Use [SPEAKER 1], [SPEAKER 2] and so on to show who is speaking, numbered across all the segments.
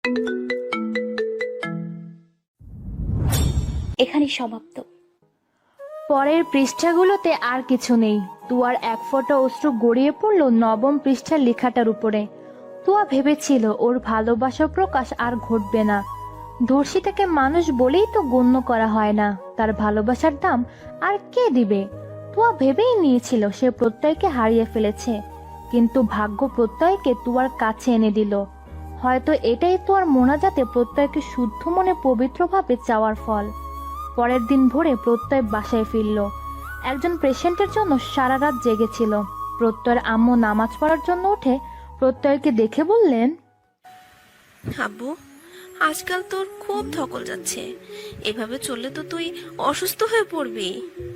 [SPEAKER 1] এখানেই সমাপ্ত।
[SPEAKER 2] পরের পৃষ্ঠাগুলোতে আর কিছু নেই। তুয়ার এক ফোঁটা অশ্রু গড়িয়ে পড়ল নবম পৃষ্ঠার লেখাটার উপরে। তুয়া ভেবেছিল ওর ভালোবাসার প্রকাশ আর ঘটবে না। ধর্ষিতাকে মানুষ বলেই তো গণ্য করা হয় না, তার ভালোবাসার দাম আর কে দিবে? তুয়া ভেবেই নিয়েছিল সে প্রত্যয়কে হারিয়ে ফেলেছে, কিন্তু ভাগ্য প্রত্যয়কে তুয়ার কাছে এনে দিল। হয়তো এটাই তুয়ার মোনাজাতে প্রত্যয়কে শুদ্ধ মনে পবিত্রভাবে চাওয়ার ফল। পরের দিন ভোরে প্রত্যয় বাসায় ফিরল। একজন পেশেন্টের জন্য সারা রাত জেগেছিল। প্রত্যয়ের আম্মু নামাজ পড়ার জন্য উঠে প্রত্যয়কে দেখে বললেন,
[SPEAKER 3] আব্বু, আজকাল তোর খুব ধকল যাচ্ছে, এভাবে চললে তো তুই অসুস্থ হয়ে পড়বি।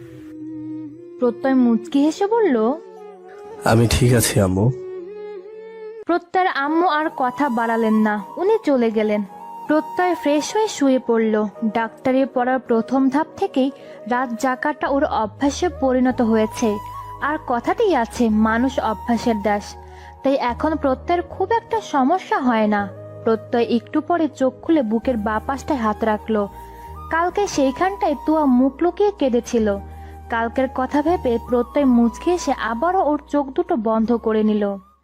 [SPEAKER 2] প্রত্যয় মুচকি হেসে বলল,
[SPEAKER 4] আমি ঠিক আছি আম্মু।
[SPEAKER 2] প্রত্যয়ের আম্মু আর কথা বাড়ালেন না, উনি চলে গেলেন। প্রত্যয় ফ্রেশ হয়ে শুয়ে পড়ল। ডাক্তারি পড়ার প্রথম ধাপ থেকেই রাত জাগাটা ওর অভ্যাসে পরিণত হয়েছে। আর কথাতেই আছে, মানুষ অভ্যাসের দাস। তাই এখন প্রত্যয়ের খুব একটা সমস্যা হয় না। প্রত্যয় একটু পরে চোখ খুলে বুকের বাঁ পাশটায় হাত রাখলো। কালকে সেইখানটায় তুয়া মুখ লুকিয়ে কেঁদেছিল। কালকের কথা ভেবে প্রত্যয় মুচকে এসে আবারও ওর চোখ দুটো বন্ধ করে নিল।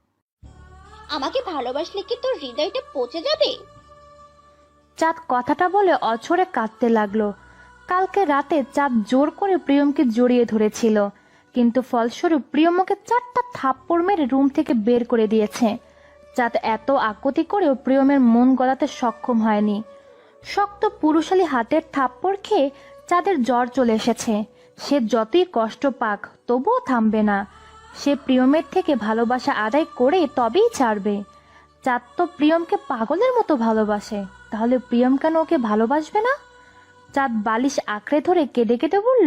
[SPEAKER 1] আমাকে ভালোবাসলে কি তোর হৃদয়টা পচে যাবে?
[SPEAKER 2] চাঁদ কথাটা বলে অঝরে কাঁদতে লাগলো। কালকে রাতে চাঁদ জোর করে প্রিয়মকে জড়িয়ে ধরেছিল, কিন্তু ফলস্বরূপ প্রিয়ম ওকে 4টা থাপ্পড় মেরে রুম থেকে বের করে দিয়েছে। চাঁদ এত আকুতি করেও প্রিয়মের মন গলাতে সক্ষম হয়নি। শক্ত পুরুষালী হাতের থাপ্পড় খেয়ে চাঁদের জ্বর চলে এসেছে। সে যতই কষ্ট পাক তবুও থামবে না। সে প্রিয়মের থেকে ভালোবাসা আদায় করে তবেই ছাড়বে। চাঁদ তো প্রিয়মকে পাগলের মতো ভালোবাসে, তাহলে প্রিয়ম কেন ওকে ভালোবাসবে না? চাঁদ বালিশ আঁকড়ে ধরে কেঁদে কেঁদে বলল,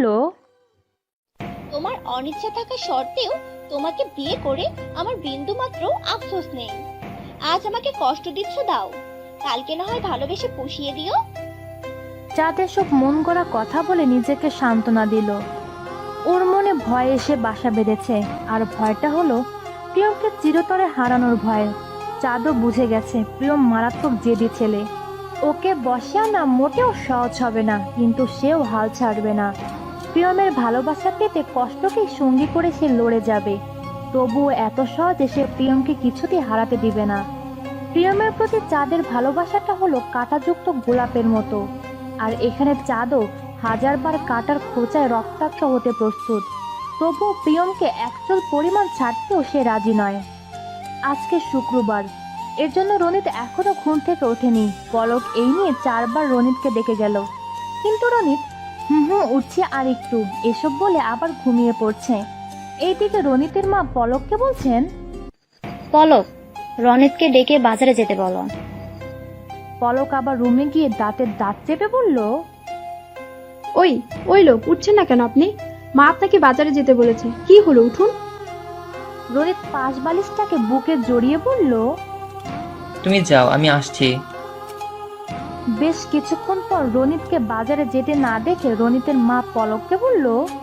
[SPEAKER 1] তোমার অনিচ্ছা থাকা সত্ত্বেও তোমাকে বিয়ে করে আমার বিন্দু মাত্র আফসোস নেই। আজ আমাকে কষ্ট দিচ্ছ, দাও, কালকে না হয় ভালোবেসে পুষিয়ে দিও।
[SPEAKER 2] চাঁদ এসব মন গড়া কথা বলে নিজেকে সান্ত্বনা দিল। ওর মনে ভয় এসে বাসা বেঁধেছে, আর ভয়টা হলো প্রিয়মকে চিরতরে হারানোর ভয়। চাঁদও বুঝে গেছে প্রিয়ম মারাত্মক জেদি ছেলে। ওকে বসে আনা মোটেও সহজ হবে না, কিন্তু সেও হাল ছাড়বে না। প্রিয়মের ভালোবাসা পেতে কষ্টকেই সঙ্গী করে সে লড়ে যাবে, তবুও এত সহজে সে প্রিয়মকে কিছুতেই হারাতে দিবে না। প্রিয়মের প্রতি চাঁদের ভালোবাসাটা হলো কাঁটাযুক্ত গোলাপের মতো, আর এখানে চাঁদও হাজারবার কাঁটার খোঁচায় রক্তাক্ত হতে প্রস্তুত। তবুও প্রিয়মকে একচুল পরিমাণ ছাড়তেও সে রাজি নয়। আজকে শুক্রবার, এর জন্য রনিত এখনো ঘুম থেকে ওঠেনি। পলক এই নিয়ে 4বার রনিতকে ডেকে গেল, কিন্তু রনিত উঠছে আর একটু এসব বলে আবার ঘুমিয়ে পড়ছে। এইদিকে রনিতের মা পলককে বলছেন,
[SPEAKER 5] পলক, রনিতকে ডেকে বাজারে যেতে বলো।
[SPEAKER 2] পলক আবার রুমে গিয়ে দাঁতের দাঁত চেপে বলল,
[SPEAKER 6] ওই লোক, উঠছেন না কেন আপনি? মা আপনাকে বাজারে যেতে বলেছে, কি হলো, উঠুন।
[SPEAKER 2] রনিত পাশ বালিশটাকে বুকে জড়িয়ে বলল,
[SPEAKER 7] তুমি যাও, আমি আসছি।
[SPEAKER 2] বেশ কিছুক্ষণ পর রনিতকে বাজারে যেতে না দেখে রনিতের মা পলককে বলল,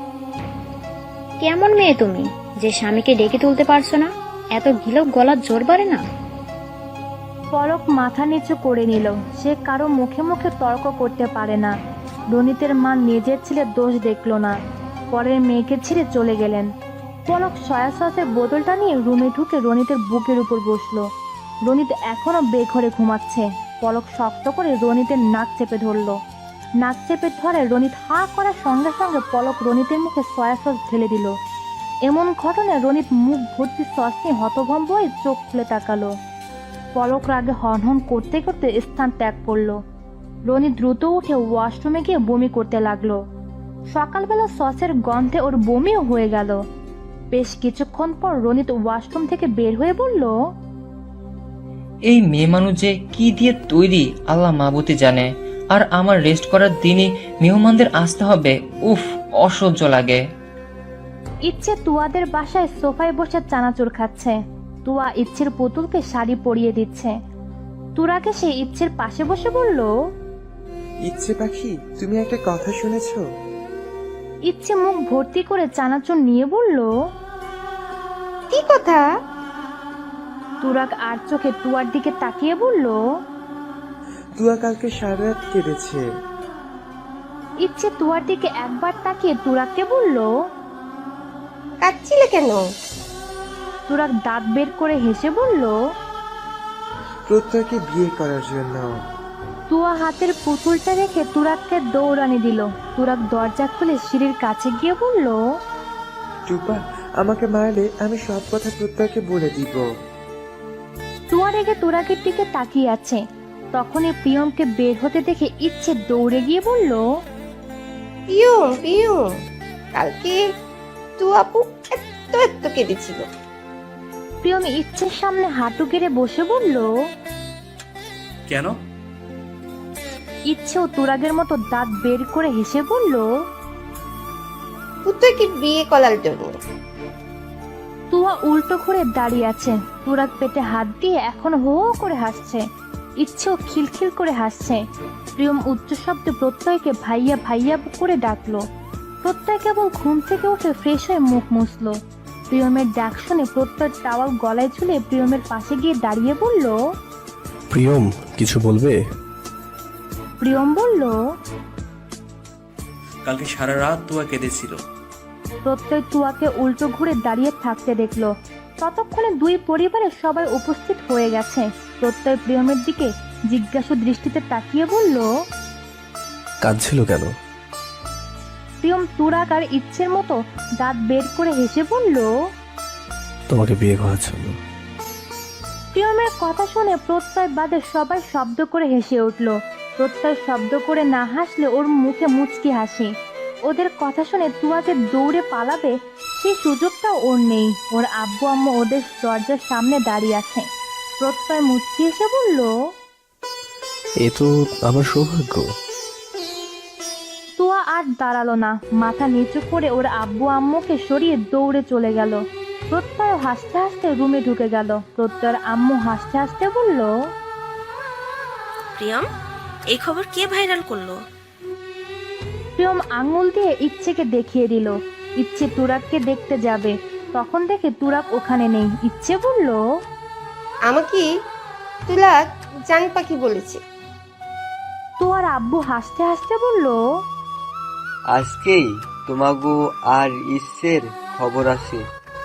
[SPEAKER 5] কেমন মেয়ে তুমি যে স্বামীকে ডেকে তুলতে পারছো না? এত গিলক গলার জোর বাড়ে না?
[SPEAKER 2] পলক মাথা নিচু করে নিল। সে কারো মুখে মুখে তর্ক করতে পারে না। রনিতের মা নিজের ছেলের দোষ দেখলো না, পরের মেয়েকে ছেড়ে চলে গেলেন। পলক সয়া সসের বোতলটা নিয়ে রুমে ঢুকে রনিতের বুকের উপর বসলো। রনিত এখনো বেঘরে ঘুমাচ্ছে। পলক শক্ত করে রনিতের নাক চেপে ধরলো। নাক চেপে ধরে রনিত হা করার সঙ্গে সঙ্গে পলক রনিতের মুখে সয়া সস ঢেলে দিল। এমন ঘটনায় রনিত মুখ ভর্তি সস নিয়ে হতভম্ব হয়ে চোখ খুলে তাকালো। পলক রাগে হনহন করতে করতে স্থান ত্যাগ করলো। রনি দ্রুত উঠে ওয়াশরুমে গিয়ে বমি করতে লাগলো। সকালবেলা সসের গন্ধে ওর বমিও হয়ে গেল। বেশ কিছুক্ষণ পর রনিত ওয়াশরুম থেকে বের হয়ে বলল,
[SPEAKER 7] এই মেয়ে মানুষ যে কি দিয়ে তৈরি আল্লাহ মাবুতি জানে। আর আমার রেস্ট করার দিনই মেহমানদের আসতে হবে, উফ, অসহ্য লাগে।
[SPEAKER 2] ইচ্ছে তুয়াদের বাসায় সোফায় বসে চানাচুর খাচ্ছে। তুয়া ইচ্ছের পুতুলকে শাড়ি পরিয়ে দিচ্ছে। তুরাকে সে ইচ্ছের পাশে বসে বলল,
[SPEAKER 8] ইচ্ছে পাখি, তুমি একটা কথা শুনেছো?
[SPEAKER 2] ইচ্ছে মুখ ভর্তি করে চানাচুর নিয়ে বলল,
[SPEAKER 6] কি কথা?
[SPEAKER 2] তুরাক আর চোখে তুয়ার দিকে তাকিয়ে বলল,
[SPEAKER 8] তুয়া কালকে সারা রাত কেঁদেছে।
[SPEAKER 2] ইচ্ছে তুয়ার দিকে একবার তাকিয়ে তুরাককে বলল।
[SPEAKER 9] কাঁদছিলে কেন?
[SPEAKER 2] তুরাক দাঁত বের করে হেসে বলল।
[SPEAKER 8] প্রত্যয়কে বিয়ে করার জন্য।
[SPEAKER 2] তুয়া হাতের পুতুলটা রেখে তুরাককে দৌড়ানি দিল। তুরাক দরজা খুলে সিঁড়ির কাছে গিয়ে বলল।
[SPEAKER 8] টুপা, আমাকে মারলে আমি সব কথা প্রত্যয়কে বলে দিব।
[SPEAKER 2] তুয়া রেগে তুরাকের দিকে তাকিয়ে আছে। তখনই প্রিয়মকে বের হতে দেখে ইচ্ছে দৌড়ে গিয়ে বলল।
[SPEAKER 9] পিয়ুম পিয়ুম, কালকে তু আপু এত কেঁদেছিল।
[SPEAKER 2] প্রিয়ম ইচ্ছের সামনে হাঁটু গেড়ে বসে বলল।
[SPEAKER 10] কেন?
[SPEAKER 2] ইচ্ছেও তুরাগের মতো দাঁত বের করে হেসে বলল।
[SPEAKER 9] পুত্রকে বিয়ে করার জন্য।
[SPEAKER 2] তুয়া উল্টো করে দাঁড়িয়ে আছে। তুরাগ পেটে হাত দিয়ে এখন হো হো করে হাসছে। ইচ্ছেও খিলখিল করে হাসছে। প্রিয়ম উচ্চ শব্দে প্রত্যয়কে ভাইয়া ভাইয়া করে ডাকলো। প্রত্যয় কেবল ঘুম থেকে উঠে ফ্রেশ হয়ে মুখ মুছলো। প্রিয়মের ডাক শুনে প্রত্যয় টাওয়াল গলায় ঝুলে প্রিয়মের পাশে গিয়ে দাঁড়িয়ে বলল।
[SPEAKER 4] প্রিয়ম, কিছু বলবে?
[SPEAKER 2] প্রিয়ম বলল।
[SPEAKER 10] কালকে সারা রাত তুয়া কেঁদেছিল।
[SPEAKER 2] প্রত্যয় তুয়াকে উল্টো ঘুরে দাঁড়িয়ে থাকতে দেখলো। ততক্ষণে দুই পরিবারের সবাই উপস্থিত হয়ে গেছে। প্রত্যয় প্রিয়মের দিকে জিজ্ঞাসু দৃষ্টিতে তাকিয়ে বলল।
[SPEAKER 4] কাঁদছিল কেন?
[SPEAKER 2] প্রিয়ম তুরাগ আর ইচ্ছের মতো দাঁত বের করে হেসে বলল।
[SPEAKER 4] তোমাকে বিয়ে করার জন্য।
[SPEAKER 2] প্রিয়মের কথা শুনে প্রত্যয় বাদে সবাই শব্দ করে হেসে উঠল। প্রত্যয় শব্দ করে না হাসলে ওর মুখে মুচকি হাসি। ওদের কথা শুনে তুয়া যে দৌড়ে পালাবে সেই সুযোগটাও ওর নেই। ওর আব্বু আম্মু ওদের দরজার সামনে দাঁড়িয়ে আছে। প্রত্যয় মুচকি এসে বলল।
[SPEAKER 4] এ তো আমার সৌভাগ্য।
[SPEAKER 2] তুয়া আর দাঁড়ালো না। মাথা নিচু করে ওর আব্বু আম্মুকে সরিয়ে দৌড়ে চলে গেল। প্রত্যয় হাসতে হাসতে রুমে ঢুকে গেল। প্রত্যয়ের আম্মু হাসতে হাসতে বলল।
[SPEAKER 3] প্রিয়ম, এই খবর কে ভাইরাল করলো?
[SPEAKER 2] প্রিয়ম আঙুল দিয়ে ইচ্ছেকে দেখিয়ে দিল। ইচ্ছে তুরাককে দেখতে যাবে, তখন দেখে তুরাক ওখানে নেই। ইচ্ছে বলল।
[SPEAKER 9] আমাকে তুলা জান পাখি বলেছে।
[SPEAKER 2] তুয়ার আব্বু হাসতে হাসতে বলল।
[SPEAKER 11] আজকেই তোমাগো আর ইসের খবর আছে।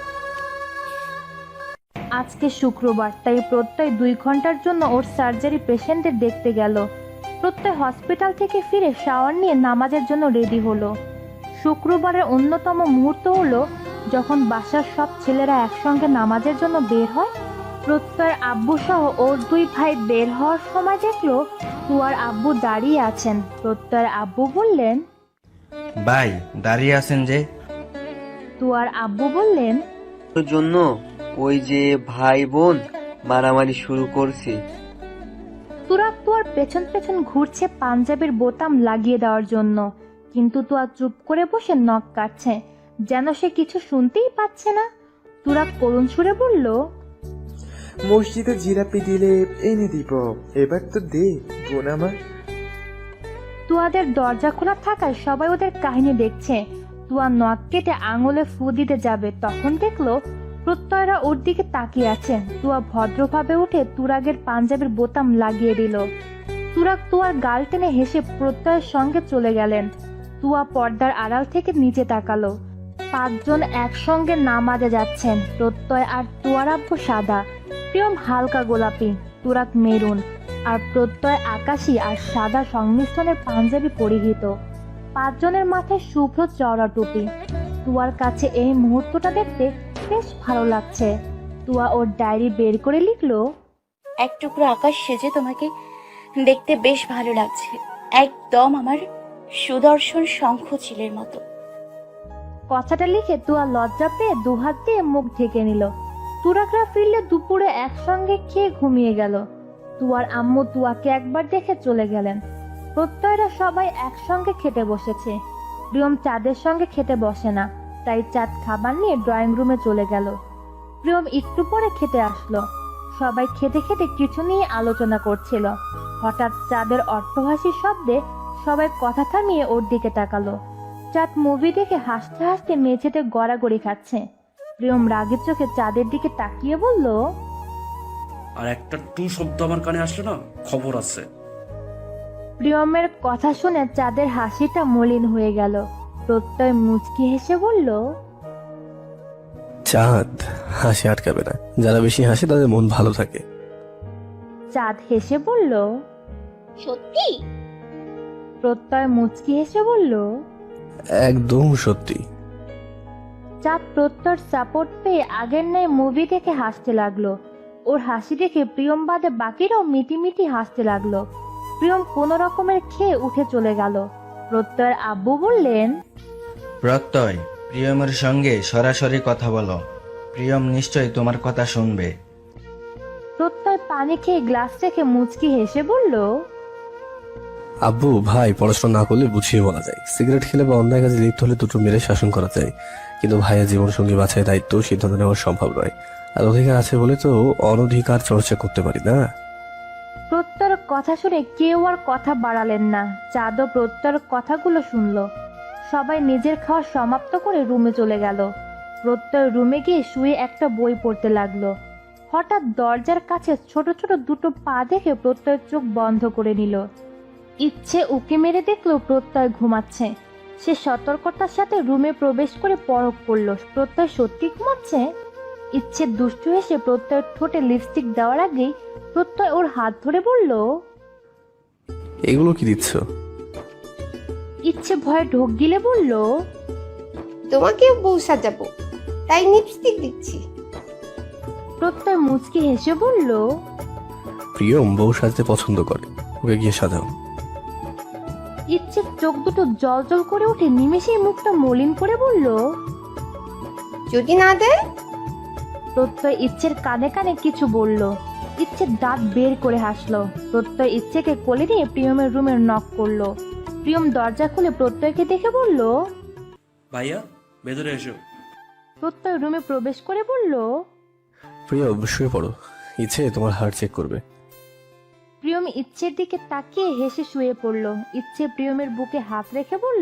[SPEAKER 2] আজকে শুক্রবার, তাই প্রত্যয় 2 ঘন্টার জন্য ওর সার্জারি পেশেন্টদের দেখতে গেল। প্রত্যয় হসপিটাল থেকে ফিরে শাওয়ার নিয়ে নামাজের জন্য রেডি হলো। শুক্রবারের অন্যতম মুহূর্ত হলো যখন বাসার সব ছেলেরা একসঙ্গে নামাজের জন্য বের হয়। প্রত্যয়ের আব্বু সহ ওর 2 ভাই বের হওয়ার সময় দেখলো তুয়ার আব্বু দাঁড়িয়ে আছেন। প্রত্যয়ের আব্বু বললেন।
[SPEAKER 11] ভাই দাঁড়িয়ে আছেন যে?
[SPEAKER 2] তুয়ার আব্বু বললেন।
[SPEAKER 11] তোর জন্য ওই যে ভাই বোন মারামারি শুরু করছে।
[SPEAKER 2] তুরাক তুয়ার পেছন পেছন ঘুরছে পাঞ্জাবির বোতাম লাগিয়ে দেওয়ার জন্য, কিন্তু তুয়া চুপ করে বসে নখ কাটছে, যেন সে কিছু শুনতেই পাচ্ছে না। তুরাক করুণ সুরে বলল।
[SPEAKER 8] মসজিদে জিলাপি দিলে এনে দিব, এবার তো দে বোন আমার।
[SPEAKER 2] তুয়াদের দরজা খোলা থাকায় সবাই ওদের কাহিনী দেখছে। তুয়া নখ কেটে আঙুলে ফু দিতে যাবে, তখন দেখলো প্রত্যয়রা ওর দিকে তাকিয়ে আছে। তুয়া ভদ্রভাবে উঠে তুরাগের পাঞ্জাবির বোতাম লাগিয়ে দিল। তুরাগ তুয়ার গাল টেনে হেসে প্রত্যয়ের সঙ্গে চলে গেলেন। তুয়া পর্দার আড়াল থেকে নিচে তাকালো। 5 জন একসঙ্গে নামাজে যাচ্ছেন। প্রত্যয় আর তুয়ার আব্বু সাদা, প্রিয়ম হালকা গোলাপি, তুরাগ মেরুন, আর প্রত্যয় আকাশী আর সাদা সংমিশ্রণের পাঞ্জাবি পরিহিত। 5 জনের মাথায় শুভ্র চওড়া টুপি। তুয়ার কাছে এই মুহূর্তটা দেখতে বেশ ভালো লাগছে। তুয়া ওর ডায়েরি বের করে লিখলো।
[SPEAKER 12] এক টুকরো আকাশ সেজে তোমাকে দেখতে বেশ ভালো লাগছে, একদম আমার সুদর্শন শঙ্খ চিলের মতো।
[SPEAKER 2] কথাটা লিখে তুয়া লজ্জা পেয়ে 2 হাত দিয়ে মুখ ঢেকে নিল। তুরাকরা ফিরলে দুপুরে একসঙ্গে খেয়ে ঘুমিয়ে গেল। তুয়ার আম্মু তুয়াকে একবার দেখে চলে গেলেন। প্রত্যয়রা সবাই একসঙ্গে খেতে বসেছে। প্রিয়ম চাঁদের সঙ্গে খেতে বসে না, তাই চাঁদ খাবার নিয়ে ড্রয়িং রুমে চলে গেল। প্রিয়ম একটু পরে খেতে আসলো। সবাই খেতে খেতে কিছু নিয়ে আলোচনা করছিল। হঠাৎ চাঁদের অট্টহাসির শব্দে সবাই কথা থামিয়ে ওর দিকে তাকালো। চাঁদ মুভি দেখে হাসতে হাসতে মেঝেতে গড়াগড়ি খাচ্ছে। প্রিয়ম রাগের চোখে চাঁদের দিকে তাকিয়ে বলল।
[SPEAKER 10] আর একটা টু শব্দ আমার কানে আসলে না, খবর আছে।
[SPEAKER 2] প্রিয়মের কথা শুনে চাঁদের হাসিটা মলিন হয়ে গেল। প্রত্যয় মুচকি হেসে বলল,
[SPEAKER 4] চাঁদ হাসি আটকাবে না, যারা বেশি হাসে তাদের মন ভালো থাকে।
[SPEAKER 2] চাঁদ হেসে বলল,
[SPEAKER 1] সত্যি?
[SPEAKER 2] প্রত্যয় মুচকি হেসে বলল,
[SPEAKER 4] একদম সত্যি।
[SPEAKER 2] চাঁদ প্রত্যয়ের সাপোর্ট পেয়ে আগের ন্যায় মুভি দেখে হাসতে লাগলো। ওর হাসি দেখে প্রিয়ম বাদে বাকিরাও মিটিমিটি হাসতে লাগলো। প্রিয়ম কোনো রকমের খেয়ে উঠে চলে গেল। প্রত্যয়ের আব্বু বললেন,
[SPEAKER 13] প্রত্যয়, প্রিয়মের সঙ্গে সরাসরি কথা বলো, প্রিয়ম নিশ্চয়ই তোমার কথা শুনবে।
[SPEAKER 2] প্রত্যয় পানি খেয়ে গ্লাস রেখে মুচকি হেসে বলল,
[SPEAKER 4] আব্বু ভাই পড়াশোনা না করলে বুঝিয়ে বলা যায়, সিগারেট খেলে বা অন্যায় কাজে লিপ্ত হলে দুটো মেরে শাসন করা যায়, কিন্তু ভাইয়ের জীবন সঙ্গী বাছাই দায়িত্ব সিদ্ধান্ত নেওয়া সম্ভব নয়। আর অধিকার আছে বলে তো অনধিকার চর্চা করতে পারি না।
[SPEAKER 2] প্রত্যয়ের কথা শুনে কেউ আর কথা বাড়ালেন না। চাঁদও প্রত্যয়ের কথাগুলো শুনলো। সবাই নিজের খাওয়া সমাপ্ত করে রুমে চলে গেল। প্রত্যয় রুমে গিয়ে শুয়ে একটা বই পড়তে লাগলো। হঠাৎ দরজার কাছে ছোট ছোট দুটো পা দেখে প্রত্যয়ের চোখ বন্ধ করে নিল। ইচ্ছে উকি মেরে দেখলো প্রত্যয় ঘুমাচ্ছে। সে সতর্কতার সাথে রুমে প্রবেশ করে পরখ করলো প্রত্যয় সত্যি ঘুমাচ্ছে। ইচ্ছে দুষ্টু হেসে প্রত্যয়ের ঠোঁটে লিপস্টিক দেওয়ার আগেই প্রত্যয় ওর হাত ধরে বলল,
[SPEAKER 4] এগুলো কি দিচ্ছ?
[SPEAKER 2] ইচ্ছে ভয়ে ঢোক গিলে বলল,
[SPEAKER 9] তোমাকে বউ সাজাবো, তাই লিপস্টিক দিচ্ছি।
[SPEAKER 2] প্রত্যয় মুচকি হেসে বলল,
[SPEAKER 4] প্রিয়ম বউ সাজতে পছন্দ করে, ওকে গিয়ে সাজাও।
[SPEAKER 2] ইচ্ছে চোখ দুটো জল জল করে উঠে নিমেষেই মুখটা মলিন করে বলল,
[SPEAKER 9] যদি না দেয়?
[SPEAKER 2] প্রত্যয় ইচ্ছের কানে কানে কিছু বলল। ইচ্ছে দাঁত বের করে হাসলো। প্রত্যয় ইচ্ছেকে কোলে নিয়ে প্রিয়মের রুমের নক করলো। প্রিয়ম দরজা খুলে প্রত্যয়কে দেখে বলল,
[SPEAKER 10] ভাইয়া ভেতরে এসো।
[SPEAKER 2] প্রত্যয় রুমে প্রবেশ করে বলল,
[SPEAKER 4] প্রিয়ম শুয়ে পড়ো, ইচ্ছে তোমার হার্ট চেক করবে।
[SPEAKER 2] প্রিয়ম ইচ্ছের দিকে তাকিয়ে হেসে শুয়ে পড়ল। ইচ্ছে প্রিয়মের বুকে হাত রেখে বলল,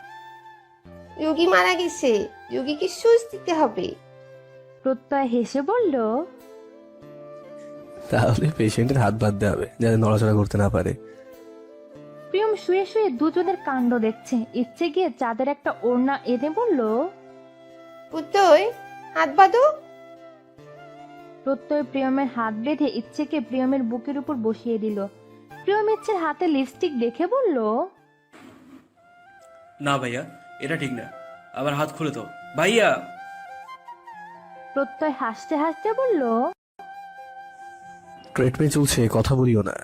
[SPEAKER 9] রোগী মারা গেছে, রোগীকে সুচ দিতে হবে।
[SPEAKER 2] প্রত্যয় হেসে বলল,
[SPEAKER 4] তাহলে পেশেন্টের হাত বাঁধতে হবে যাতে নড়াচড়া করতে না পারে।
[SPEAKER 2] প্রিয়ম শুয়ে শুয়ে দুজনের কাণ্ড দেখছে। ইচ্ছে গিয়ে চাঁদের একটা ওড়না এনে বলল,
[SPEAKER 9] পুতই হাত বাঁধো।
[SPEAKER 2] প্রত্যয় প্রিয়মের হাত বেঁধে ইচ্ছেকে প্রিয়মের বুকের উপর বসিয়ে দিল। প্রিয়ম ইচ্ছের হাতে লিপস্টিক দেখে বলল,
[SPEAKER 10] না ভাইয়া, এটা ঠিক না, আবার হাত খুলে তো ভাইয়া।
[SPEAKER 2] প্রত্যয় হাসতে হাসতে বলল,
[SPEAKER 4] ট্রিটমেন্ট চলছে, কথা বলিও না।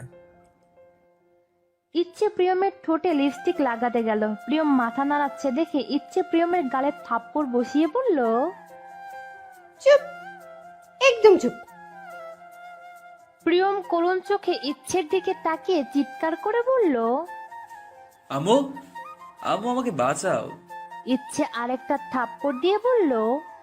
[SPEAKER 2] ইচ্ছে প্রিয়মের ঠোঁটে লিপস্টিক লাগাতে গেল। প্রিয়ম মাথা নাড়াচ্ছে দেখে ইচ্ছে প্রিয়মের গালে থাপ্পড় বসিয়ে বলল,
[SPEAKER 9] চুপ, একদম চুপ।
[SPEAKER 2] প্রিয়ম করুণ চোখে ইচ্ছের দিকে তাকিয়ে চিৎকার করে বলল,
[SPEAKER 10] আম্মু, আম্মু আমাকে বাঁচাও।
[SPEAKER 2] ইচ্ছে আরেকটা থাপ্পড় দিয়ে বলল,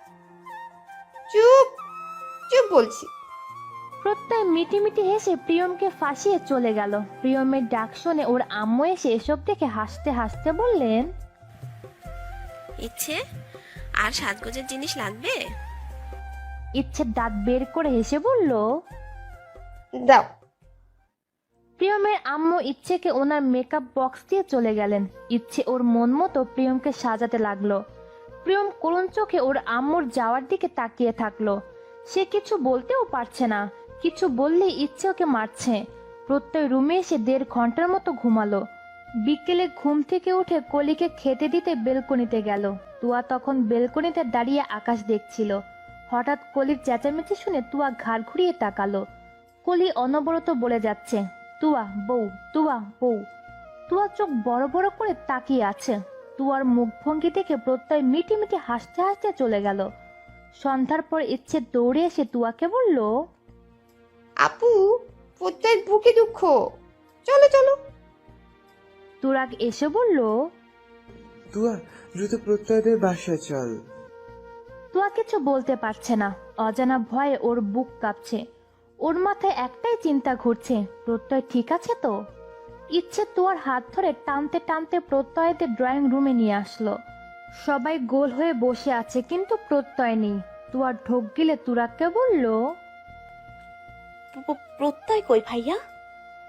[SPEAKER 9] চুপ, চুপ বলছি।
[SPEAKER 2] প্রত্যয় মিটিমিটি হেসে প্রিয়মকে ফাঁসিয়ে চলে গেল। প্রিয়মের ডাক শুনে ওর আম্মু এসে এসব দেখে হাসতে হাসতে বললেন,
[SPEAKER 3] ইচ্ছে আর সাজগোজের জিনিস লাগবে?
[SPEAKER 2] ইচ্ছে দাঁত বের করে হেসে বলল,
[SPEAKER 9] দাও।
[SPEAKER 2] প্রিয়মের আম্মু ইচ্ছেকে ওনার মেকআপ বক্স দিয়ে চলে গেলেন। ইচ্ছে ওর মন মতো প্রিয়মকে সাজাতে লাগলো। প্রিয়ম করুণ চোখে ওর আম্মুর যাওয়ার দিকে তাকিয়ে থাকলো। সে কিছু বলতেও পারছে না, কিছু বললেই ইচ্ছে ওকে মারছে। প্রত্যয় রুমে এসে 1.5 ঘন্টার মতো ঘুমালো। বিকেলে ঘুম থেকে উঠে কলিকে খেতে দিতে বেলকনিতে গেল। তুয়া তখন বেলকনিতে দাঁড়িয়ে আকাশ দেখছিল। হঠাৎ কলির চেঁচামেচি শুনে তুয়া ঘাড় ঘুরিয়ে তাকালো। কলি অনবরত বলে যাচ্ছে, তুয়া বউ, তুয়া বউ। তুয়া চোখ বড় বড় করে তাকিয়ে আছে। তুয়ার মুখভঙ্গি দেখে প্রত্যয় মিটিমিটি হাসতে হাসতে চলে গেল। সন্ধ্যার পর ইচ্ছে দৌড়ে এসে তুয়াকে বলল,
[SPEAKER 9] আপু, পুতইয়ের বুকে দুঃখ, চলো চলো।
[SPEAKER 2] তুরাগ এসে বলল,
[SPEAKER 8] তুয়া দ্রুত প্রত্যয়দের বাসায় চল।
[SPEAKER 2] তুয়া কিছু বলতে পারছে না। অজানা ভয়ে ওর বুক কাঁপছে। ওর মাথায় একটাই চিন্তা ঘুরছে, প্রত্যয় ঠিক আছে তো? ইচ্ছে তুয়ার হাত ধরে টানতে টানতে প্রত্যয়দের ড্রয়িং রুমে নিয়ে আসলো। সবাই গোল হয়ে বসে আছে কিন্তু প্রত্যয় নেই। তুয়ার ঢোক গিলে তুরাগকে বলল,
[SPEAKER 12] প্রত্যয় কই ভাইয়া?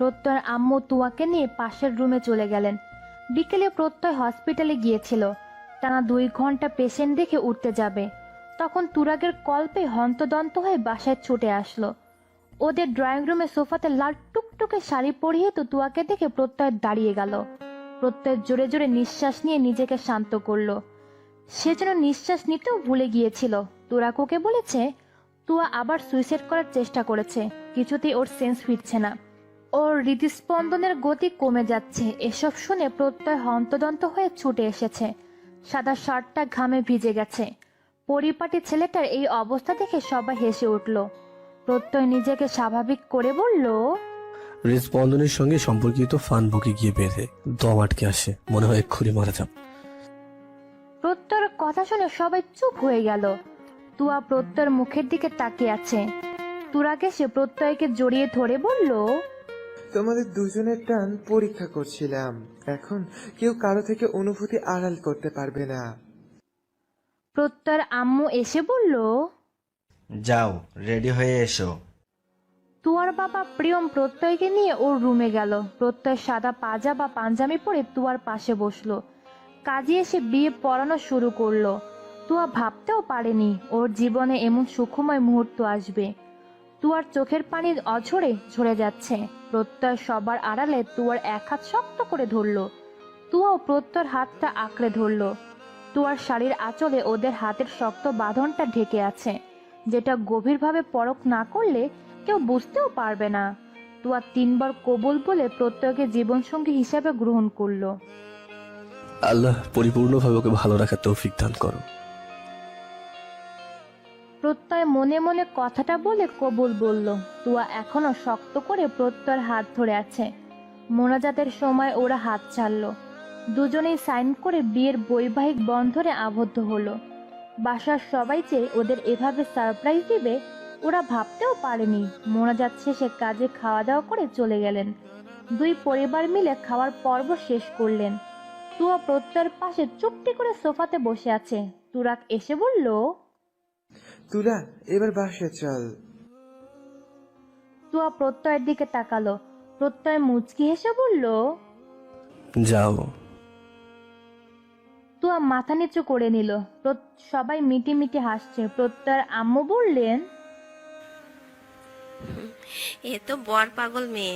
[SPEAKER 2] প্রত্যয়ের আম্মু তুয়াকে নিয়ে পাশের রুমে চলে গেলেন। বিকেলে প্রত্যয় হসপিটালে গিয়েছিল, টানা 2 ঘন্টা পেশেন্ট দেখে উঠতে যাবে। তখন তুরাগের কল্পে হন্তদন্ত হয়ে বাসায় ছুটে আসলো। ওদের ড্রয়িং রুমে সোফাতে লাল টুকটুকে শাড়ি পরিয়ে তো তুয়াকে দেখে প্রত্যয় দাঁড়িয়ে গেল। প্রত্যয় জোরে জোরে নিঃশ্বাস নিয়ে নিজেকে শান্ত করলো। সে যেন নিঃশ্বাস নিতেও ভুলে গিয়েছিল। তুরাগ ওকে বলেছে তুয়া আবার সুইসাইড করার চেষ্টা করেছে, কিছুতেই ওর সেন্স ফিরছে না, ওর হৃদস্পন্দনের গতি কমে যাচ্ছে। এসব শুনে প্রত্যয় হন্তদন্ত হয়ে ছুটে এসেছে। সাদা শার্টটা ঘামে ভিজে গেছে। পরিপাটি ছেলেটার এই অবস্থা দেখে সবাই হেসে উঠল। প্রত্যয় নিজেকে স্বাভাবিক করে বলল,
[SPEAKER 4] হৃদস্পন্দনের সঙ্গে সম্পর্কিত ফান বুকে গিয়ে বেঁধে দম আটকে আসে, মনে হয় এক্ষুনি মারা যাব।
[SPEAKER 2] প্রত্যয়ের কথা শুনে সবাই চুপ হয়ে গেল। তুয়া প্রত্যয়ের মুখের দিকে তাকিয়ে আছে। তুরাগ এসে প্রত্যয়কে জড়িয়ে ধরে বলল,
[SPEAKER 8] তোমাদের দুজনের টান পরীক্ষা করছিলাম, এখন কেউ কারো থেকে অনুভূতি আড়াল করতে পারবে না।
[SPEAKER 2] প্রত্যয়ের আম্মু এসে বলল,
[SPEAKER 13] যাও, রেডি হয়ে এসো।
[SPEAKER 2] তুয়ার বাবা প্রিয়ম প্রত্যয়কে নিয়ে ওর রুমে গেল। প্রত্যয় সাদা পাজামা পাঞ্জাবি পরে তুয়ার পাশে বসলো। কাজে এসে বিয়ে পড়ানো শুরু করলো। তুয়া ভাবতেও পারেনি ওর জীবনে এমন সুখময় মুহূর্ত আসবে। তুয়ার চোখের পানি অঝরে ঝরে যাচ্ছে। প্রত্যয় সবার আড়ালে তুয়ার এক হাত শক্ত করে ধরলো। তুয়াও প্রত্যয়ের হাতটা আঁকড়ে ধরলো। তুয়ার শাড়ির আঁচলে ওদের হাতের শক্ত বাঁধনটা ঢেকে আছে, যেটা গভীরভাবে পরখ না করলে কেউ বুঝতেও পারবে না। তুয়া 3 বার কবুল বলে প্রত্যয়কে জীবনসঙ্গী হিসাবে গ্রহণ করলো।
[SPEAKER 4] আল্লাহ পরিপূর্ণভাবে ওকে ভালো রাখার তৌফিক দান করো।
[SPEAKER 2] প্রত্যয় মনে মনে কথাটা বলে কবুল বলল। তুয়া এখনো শক্ত করে প্রত্যয়ের হাত ধরে আছে। মোনাজাতের সময় ওরা হাত ছাড়লো। দুজনেই সাইন করে বিয়ের বৈবাহিক বন্ধনে আবদ্ধ হলো। বাসার সবাই যে ওদের এভাবে সারপ্রাইজ দিবে ওরা ভাবতেও পারেনি। মোনাজাত শেষে কাজে খাওয়া দাওয়া করে চলে গেলেন। 2 পরিবার মিলে খাওয়ার পর্ব শেষ করলেন। তুয়া প্রত্যয়ের পাশে চুপটি করে সোফাতে বসে আছে। তুরাগ এসে বলল,
[SPEAKER 8] তুলা, এবার বাসায় চল।
[SPEAKER 2] তুয়া প্রত্যয়ের দিকে তাকালো। প্রত্যয় মুচকি হেসে বলল,
[SPEAKER 4] যাও।
[SPEAKER 2] তুয়া মাথা নিচু করে নিল। সবাই মিটি মিটি হাসছে। প্রত্যয়ের আম্মু বললেন,
[SPEAKER 3] এ তো বর পাগল মেয়ে।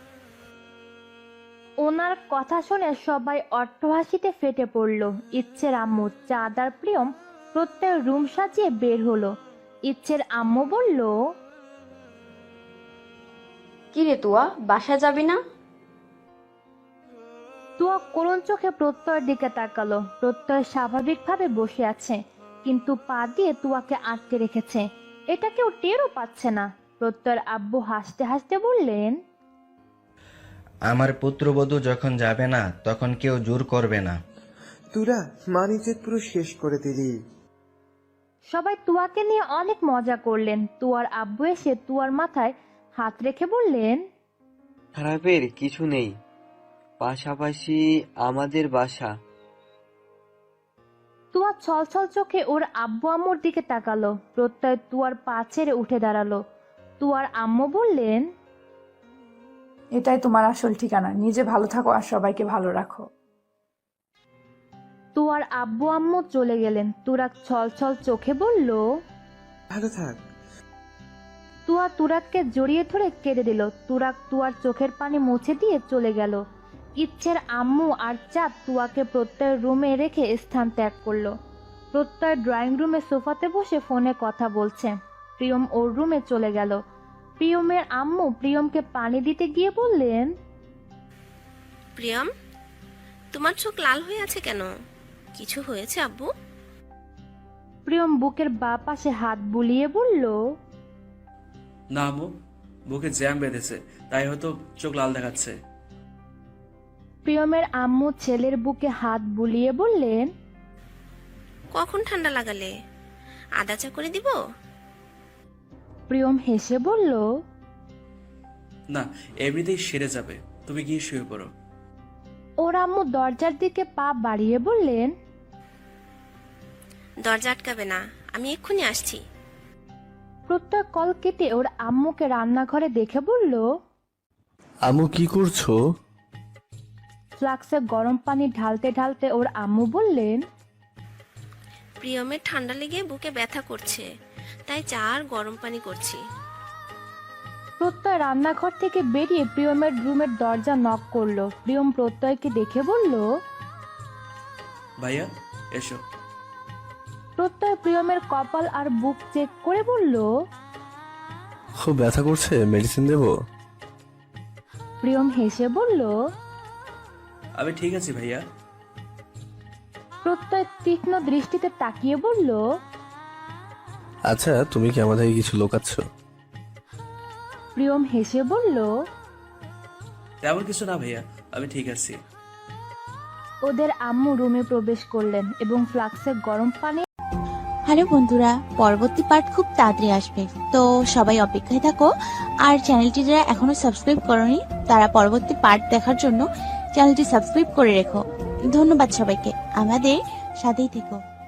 [SPEAKER 2] ওনার কথা শুনে সবাই অট্টহাসিতে ফেটে পড়ল। ইচ্ছের আম্মু, চাঁদ আর প্রিয়ম প্রত্যয়ের রুম সাজিয়ে বের হলো। ইচ্ছের আম্মু বলল,
[SPEAKER 14] কিরে তুয়া, বাসা যাবি না?
[SPEAKER 2] তুয়া করুণ চোখে প্রত্যয়ের দিকে তাকালো। প্রত্যয় স্বাভাবিকভাবে বসে আছে, কিন্তু পা দিয়ে তুয়াকে আটকে রেখেছে। এটা কেউ টেরও পাচ্ছে না। প্রত্যয়ের আব্বু হাসতে হাসতে বললেন,
[SPEAKER 13] আমার পুত্রবধূ যখন যাবে না তখন কেউ জোর করবে না।
[SPEAKER 8] তুলা, মানিজের পুরো শেষ করে দিলি।
[SPEAKER 2] সবাই তুয়াকে নিয়ে অনেক মজা করলেন। তুয়ার আব্বু এসে তুয়ার মাথায় হাত রেখে বললেন,
[SPEAKER 11] খারাপের কিছু নেই, পাশাপাশি আমাদের বাসা।
[SPEAKER 2] তুয়া ছলছল চোখে ওর আব্বু আম্মুর দিকে তাকালো। প্রত্যয় তুয়ার পা ছেড়ে উঠে দাঁড়ালো। তুয়ার আম্মু বললেন,
[SPEAKER 15] এটাই তোমার আসল ঠিকানা, নিজে ভালো থাকো আর সবাইকে ভালো রাখো।
[SPEAKER 2] তুয়ার আব্বু আম্মু চলে গেলেন। তুরাগ ছলছল চোখে বলল,
[SPEAKER 8] ভালো থাক।
[SPEAKER 2] তুয়া তুরাগকে জড়িয়ে ধরে কেঁদে দিল। তুরাগ তুয়ার চোখের পানি মুছে দিয়ে চলে গেল। ইচ্ছের আম্মু আর চাঁদ তুয়াকে প্রত্যয়ের রুমে রেখে স্থান ত্যাগ করলো। প্রত্যয় ড্রয়িং রুমে সোফাতে বসে ফোনে কথা বলছে। প্রিয়ম ওর রুমে চলে গেল। প্রিয়মের আম্মু প্রিয়মকে পানি দিতে গিয়ে বললেন,
[SPEAKER 3] প্রিয়ম, তোমার চোখ লাল হয়ে আছে কেন? কিছু হয়েছে আব্বু?
[SPEAKER 2] প্রিয়ম বুকের বাঁ পাশে হাত বুলিয়ে বলল,
[SPEAKER 10] না আম্মু, বুকে জ্যাম বেঁধেছে, তাই হয়তো চোখ লাল দেখাচ্ছে।
[SPEAKER 2] প্রিয়মের আম্মু ছেলের বুকে হাত বুলিয়ে বললেন,
[SPEAKER 3] কখন ঠান্ডা লাগালে? আদা চা করে দিব?
[SPEAKER 2] প্রিয়ম হেসে বলল,
[SPEAKER 10] না, এমনিতেই সেরে যাবে, তুমি গিয়ে শুয়ে পড়ো।
[SPEAKER 2] ওর আম্মু দরজার দিকে পা বাড়িয়ে বললেন,
[SPEAKER 3] দরজা আটকাবে না, আমি এক্ষুনি আসছি।
[SPEAKER 2] প্রত্যয় কল কেটে ওর আম্মুকে রান্নাঘরে দেখে বলল,
[SPEAKER 4] আম্মু কি করছো?
[SPEAKER 2] ফ্লাক্সে গরম পানি ঢালতে ঢালতে ওর আম্মু বললেন,
[SPEAKER 3] প্রিয়মের ঠান্ডা লেগে বুকে ব্যথা করছে, তাই চা আর গরম পানি করছি।
[SPEAKER 2] প্রত্যয় রান্নাঘর থেকে বেরিয়ে প্রিয়মের রুমের দরজা নক করলো। প্রিয়ম প্রত্যয়কে দেখে বলল,
[SPEAKER 10] ভাইয়া এসো।
[SPEAKER 2] প্রত্যয় প্রিয়মের কপাল আর বুক চেক করে বলল,
[SPEAKER 4] খুব ব্যথা করছে, মেডিসিন দেবো?
[SPEAKER 2] প্রিয়ম হেসে বলল।
[SPEAKER 10] আমি ঠিক আছি ভাইয়া।
[SPEAKER 2] প্রত্যয় তীক্ষ্ণ দৃষ্টিতে তাকিয়ে বলল,
[SPEAKER 4] আচ্ছা তুমি কি আমাদের কিছু লোকাচ্ছ?
[SPEAKER 2] প্রিয়ম হেসে বলল,
[SPEAKER 10] তেমন কিছু না ভাইয়া, আমি ঠিক আছি।
[SPEAKER 2] ওদের আম্মু রুমে প্রবেশ করলেন এবং ফ্লাক্সে গরম পানি।
[SPEAKER 12] হ্যালো বন্ধুরা, পরবর্তী পার্ট খুব তাড়াতাড়ি আসবে, তো সবাই অপেক্ষায় থাকো। আর চ্যানেলটি যারা এখনো সাবস্ক্রাইব করনি তারা পরবর্তী পার্ট দেখার জন্য চ্যানেলটি সাবস্ক্রাইব করে রেখো। ধন্যবাদ সবাইকে, আমাদের সাথেই থেকো।